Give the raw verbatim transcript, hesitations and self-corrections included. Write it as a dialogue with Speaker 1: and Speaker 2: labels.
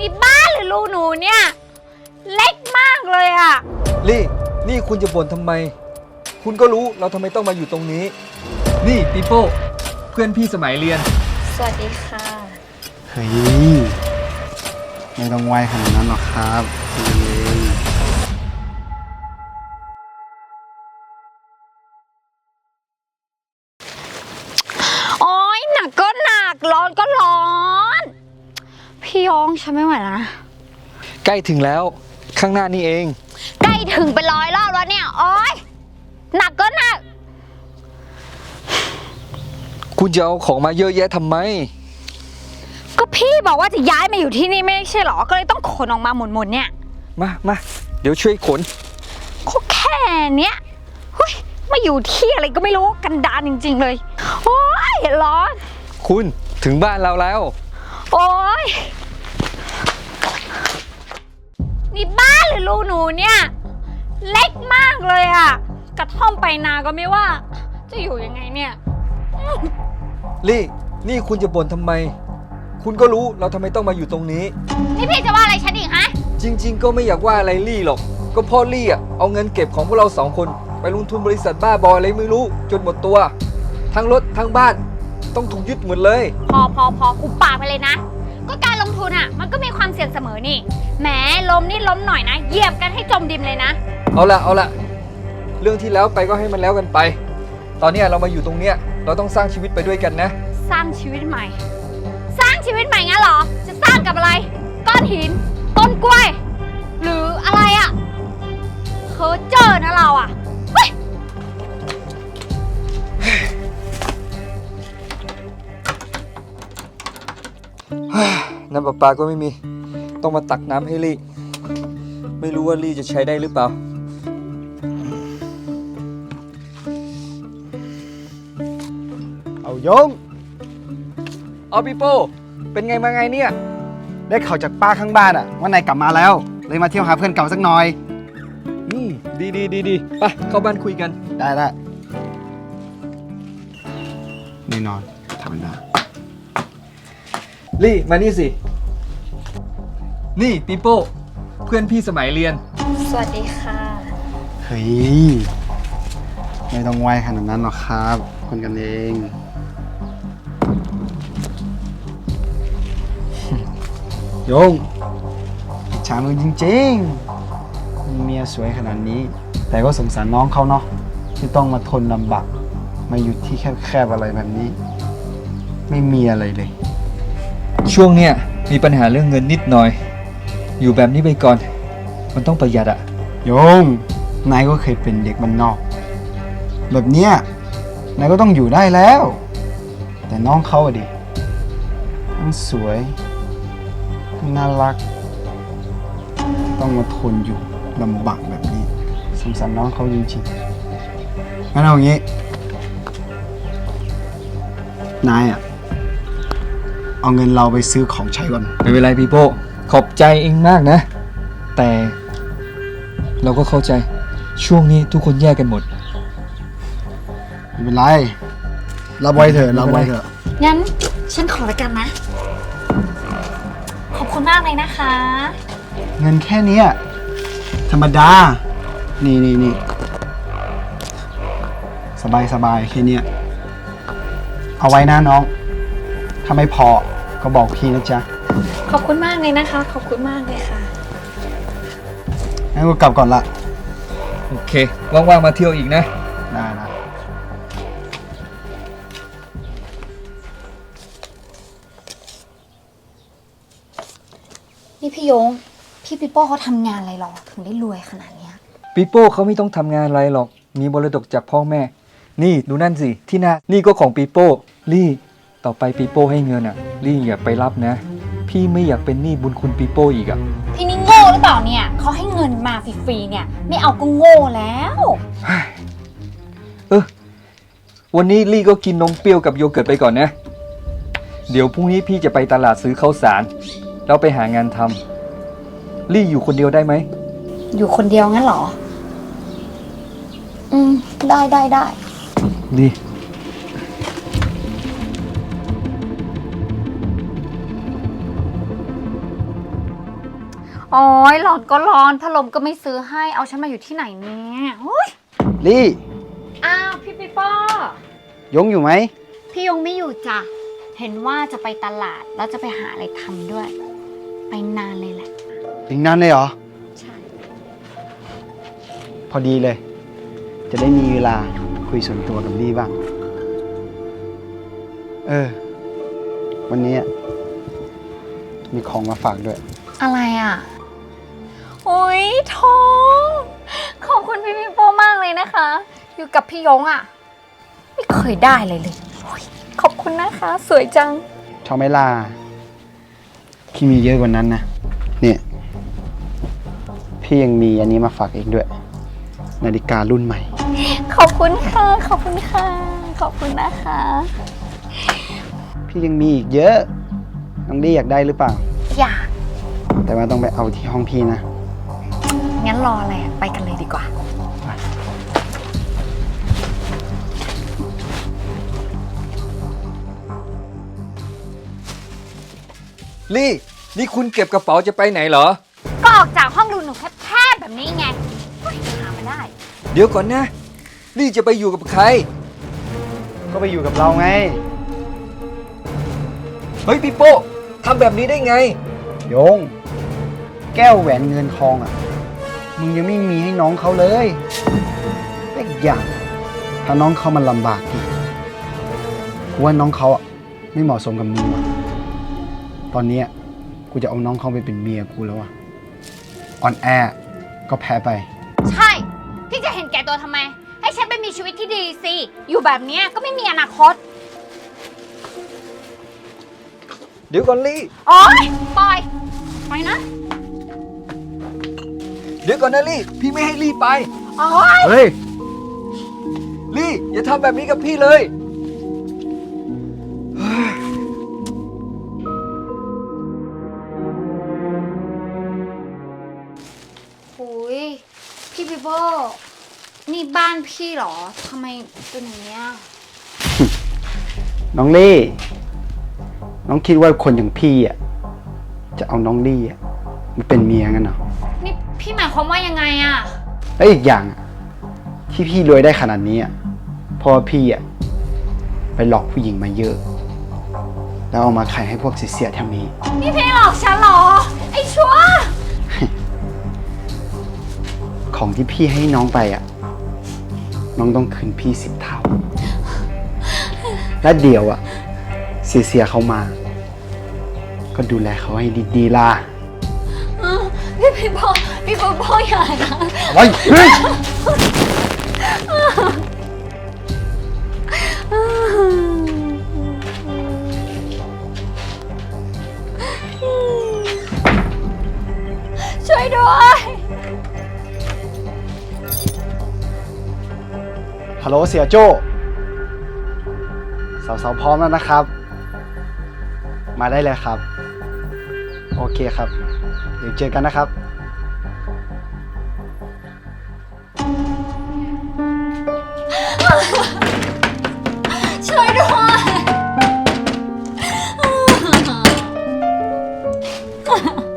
Speaker 1: นี่บ้านหรือรูหนูเนี่ยเล็กมากเลยอะ
Speaker 2: ลี่นี่คุณจะบ่นทำไมคุณก็รู้เราทำไมต้องมาอยู่ตรงนี้นี่ปีโป้เพื่อนพี่สมัยเรียน
Speaker 1: สวัสดีค่ะ
Speaker 3: เฮ้ยไม่ต้องไหวขนาดนั้นหรอกครับคุณเอง
Speaker 1: โอ๊ยหนักก็หนักร้อนก็ร้อนพี่ยองฉันไม่ไหวแล้วนะ
Speaker 2: ใกล้ถึงแล้วข้างหน้านี่เอง
Speaker 1: ใกล้ถึงเป็นร้อยรอบแล้วเนี่ยโอ๊ยหนักก็หนัก
Speaker 2: คุณจะเอาของมาเยอะแยะทำไม
Speaker 1: ก็พี่บอกว่าจะย้ายมาอยู่ที่นี่ไม่ใช่หรอก็เลยต้องขนออกมาหมดๆเนี่ย
Speaker 2: มามาเดี๋ยวช่วยขน
Speaker 1: ก็แค่เนี้ยเฮ้ยมาอยู่ที่อะไรก็ไม่รู้กันดารจริงๆเลยโอ๊ยร้อน
Speaker 2: คุณถึงบ้านเราแล้ว
Speaker 1: โอ๊ยนี่บ้านหรือรูหนูเนี่ยเล็กมากเลยอะกระท่อมไปนาก็ไม่ว่าจะอยู่ยังไงเนี่ย
Speaker 2: ลี่นี่คุณจะบ่นทำไมคุณก็รู้เราทำไมต้องมาอยู่ตรงนี้
Speaker 1: นี่พี่จะว่าอะไรฉันอีกฮะ
Speaker 2: จริงๆก็ไม่อยากว่าอะไรลี่หรอกก็พ่อลี่อ่ะเอาเงินเก็บของพวกเราสองคนไปลงทุนบริษัทบ้าบออะไรไม่รู้จนหมดตัวทั้งรถทั้งบ้านต้องถูกยึดหมดเลย
Speaker 1: พอพอพออุบปากไปเลยนะก็การลงทุนอ่ะมันก็มีความเสี่ยงเสมอนี่แหมล้มนี่ล้มหน่อยนะเหยียบกันให้จมดินเลยนะ
Speaker 2: เอาละเอาละเรื่องที่แล้วไปก็ให้มันแล้วกันไปตอนนี้เรามาอยู่ตรงเนี้ยเราต้องสร้างชีวิตไปด้วยกันนะ
Speaker 1: สร้างชีวิตใหม่สร้างชีวิตใหม่งั้นเหรอจะสร้างกับอะไรก้อนหินต้นกล้วยหรืออะไรอ่ะเพ้อเจ้อนะเราอ่ะเฮ้ย
Speaker 2: น้ำประปาก็ไม่มีต้องมาตักน้ำให้ลี่ไม่รู้ว่าลี่จะใช้ได้หรือเปล่า
Speaker 3: เอายง
Speaker 2: เอาปีโป้เป็นไงมาไงเนี่ย
Speaker 3: ได้ข่าวจากป้าข้างบ้านอะว่านายกลับมาแล้วเลยมาเที่ยวหาเพื่อนเก่าสักหน่อย
Speaker 2: อืมดีดีดีดีไปเข้าบ้านคุยกัน
Speaker 3: ได้ได้แน่นอนธรรมดา
Speaker 2: ลี่มานี่สินี่ปีโป้เพื่อนพี่สมัยเรียน
Speaker 1: สวัสดีค่ะ
Speaker 3: เฮ้ยไม่ต้องไหวขนาดนั้นหรอกครับคนกันเองโยงฉามึงจริงๆเมียสวยขนาดนี้แต่ก็สงสารน้องเขาเนาะที่ต้องมาทนลำบากมาอยู่ที่แคบๆอะไรแบบนี้ไม่มีอะไรเลย
Speaker 2: ช่วงเนี้ยมีปัญหาเรื่องเงินนิดหน่อยอยู่แบบนี้ไปก่อนมันต้องประหยัดอะ
Speaker 3: โยงนายก็เคยเป็นเด็กบ้านนอกแบบเนี้ยนายก็ต้องอยู่ได้แล้วแต่น้องเขาอะดิทั้งสวยน่ารักต้องมาทนอยู่ลำบากแบบนี้สงสารน้องเขาจริงๆงั้นเอาอย่างนี้นายอ่ะเอาเงินเราไปซื้อของใช้ก่อน
Speaker 2: ไม่เป็นไรพี่โป้ขอบใจเองมากนะแต่เราก็เข้าใจช่วงนี้ทุกคนแยกกันหมด
Speaker 3: ไม่เป็นไรรับไว้เถอะรับไว้เถอะ
Speaker 1: งั้นฉันขอละกันนะขอบคุณมากเลยนะคะ
Speaker 3: เงินแค่นี้ธรรมดานี่นี่นี่สบายสบายแค่นี้เอาไว้นะน้องถ้าไม่พอก็บอกพี่นะจ๊ะ
Speaker 1: ขอบคุณมากเลยนะคะขอบคุณมากเลยค่ะ
Speaker 3: งั้นก็กลับก่อนละ
Speaker 2: โอเคว่างๆมาเที่ยวอีกนะ
Speaker 3: ได้นะ
Speaker 1: นี่พี่ยงพี่ปิโป้เขาทำงานอะไรหรอถึงได้รวยขนาดนี้
Speaker 2: ปีโป้เขาไม่ต้องทำงานอะไรหรอกมีมรดกจากพ่อแม่นี่ดูนั่นสิที่หน้านี่ก็ของปีโป้ลี่ต่อไปปีโป้ให้เงินอ่ะลี่อย่าไปรับนะพี่ไม่อยากเป็นหนี้บุญคุณปีโป้อีกอ่ะ
Speaker 1: พี่นี่โง่หรือเปล่าเนี่ยเขาให้เงินมาฟรีๆเนี่ยไม่เอาก็โง่แล้ว
Speaker 2: เออวันนี้ลี่ก็กินนมเปรี้ยวกับโยเกิร์ตไปก่อนนะเดี๋ยวพรุ่งนี้พี่จะไปตลาดซื้อข้าวสารแล้วไปหางานทำลี่อยู่คนเดียวได้ไหม
Speaker 1: อยู่คนเดียวงั้นเหรออืมได้ได้ได้
Speaker 2: ดี
Speaker 1: โอ้ยร้อนก็ร้อนพัดลมก็ไม่ซื้อให้เอาฉันมาอยู่ที่ไหนเนี่ยโอ้ย
Speaker 3: ลี่
Speaker 1: อ้าวพี่ปีโป้
Speaker 3: ยงอยู่ไหม
Speaker 1: พี่ยงไม่อยู่จ้ะเห็นว่าจะไปตลาดแล้วจะไปหาอะไรทำด้วย ไปนานเลยแหละ
Speaker 3: อีกนานเลยเหรอ
Speaker 1: ใช่
Speaker 3: พอดีเลย จะได้มีเวลาคุยส่วนตัวกับลี่บ้าง เออ วันนี้มีของมาฝากด้วย
Speaker 1: อะไรอ่ะโอ้ยท้องขอบคุณพี่ปีโป้มากเลยนะคะ อยู่กับพี่ยงอ่ะไม่เคยได้เลยเลยโอ้ยขอบคุณนะคะ สวยจัง
Speaker 3: ชอบไหมล่ะพี่มีเยอะกว่านั้นนะ เนี่ย พี่ยังมีอันนี้มาฝากเองด้วย นาฬิการุ่นใหม่
Speaker 1: ขอบคุณค่ะขอบคุณค่ะขอบคุณนะคะ
Speaker 3: พี่ยังมีอีกเยอะ น้องลี่อยากได้หรือเปล่า
Speaker 1: อยาก
Speaker 3: แต่ว่าต้องไปเอาที่ห้องพี่นะ
Speaker 1: งั้นรออะไรอะไปกันเลยดีกว่า
Speaker 2: ลี่ นี่คุณเก็บกระเป๋าจะไปไหนเหรอ
Speaker 1: ก็ออกจากห้องดูหนูแคบๆแบบนี้ไงเฮ้ยหามาได้
Speaker 2: เดี๋ยวก่อนนะ ลี่จะไปอยู่กับใคร
Speaker 3: ก็ไปอยู่กับเราไง
Speaker 2: เฮ้ยพี่โป้ทำแบบนี้ได้ไง
Speaker 3: โยง แก้วแหวนเงินทองอ่ะ มึงยังไม่มีให้น้องเขาเลยแต่อีกอย่าง ถ้าน้องเขามันลำบากอีกกูว่าน้องเขาอ่ะไม่เหมาะสมกับมึงว่ะตอนเนี้ยกูจะเอาน้องเขาไปเป็นเมียกูแล้วอ่ะอ่อนแอก็แพ้ไป
Speaker 1: ใช่ พี่จะเห็นแก่ตัวทำไม ให้ฉันไปมีชีวิตที่ดีสิ อยู่แบบเนี้ยก็ไม่มีอนาคต
Speaker 2: เดี๋ยวก่อนลี่
Speaker 1: โอ๊ยปล่อยปล่อยนะ
Speaker 2: เดี๋ยวก่อนนะลี่ พี่ไม่ให้ลี่ไป
Speaker 1: โอ๊ย
Speaker 3: เฮ้ย
Speaker 2: ลี่ อย่าทำแบบนี้กับพี่เลย
Speaker 1: หุยพี่ปีโป้นี่บ้านพี่เหรอ ทำไมเป็นอย่างเนี้ย
Speaker 3: น้องลี่ น้องคิดว่าคนอย่างพี่อ่ะจะเอาน้องลี่อ่ะมาเป็นเมียงั้นเหรอ
Speaker 1: นี่พี่หมายความว่ายังไงอะ
Speaker 3: แล้วอีกอย่างอะที่พี่รวยได้ขนาดนี้อ่ะเพราะว่าพี่อ่ะไปหลอกผู้หญิงมาเยอะ แล้วเอามาขายให้พวกเสียๆแถวนี้
Speaker 1: นี่พี่หลอกฉันเหรอ ไอ้ชั่ว
Speaker 3: ของที่พี่ให้น้องไปอ่ะ น้องต้องคืนพี่สิบเท่า และเดี๋ยวอ่ะ เสียๆเขามา ก็ดูแลเขาให้ดีๆล่ะ
Speaker 1: พี่ปีโป้พี่ปีโป้อย่านะ
Speaker 3: ไว้เฮ้ย
Speaker 1: ช่วยด้วย
Speaker 3: ฮัลโหลเสียโจ้สาวๆพร้อมแล้วนะครับ มาได้เลยครับ โอเคครับ เดี๋ยวเจอกันนะครับ
Speaker 1: ช่วยด้วย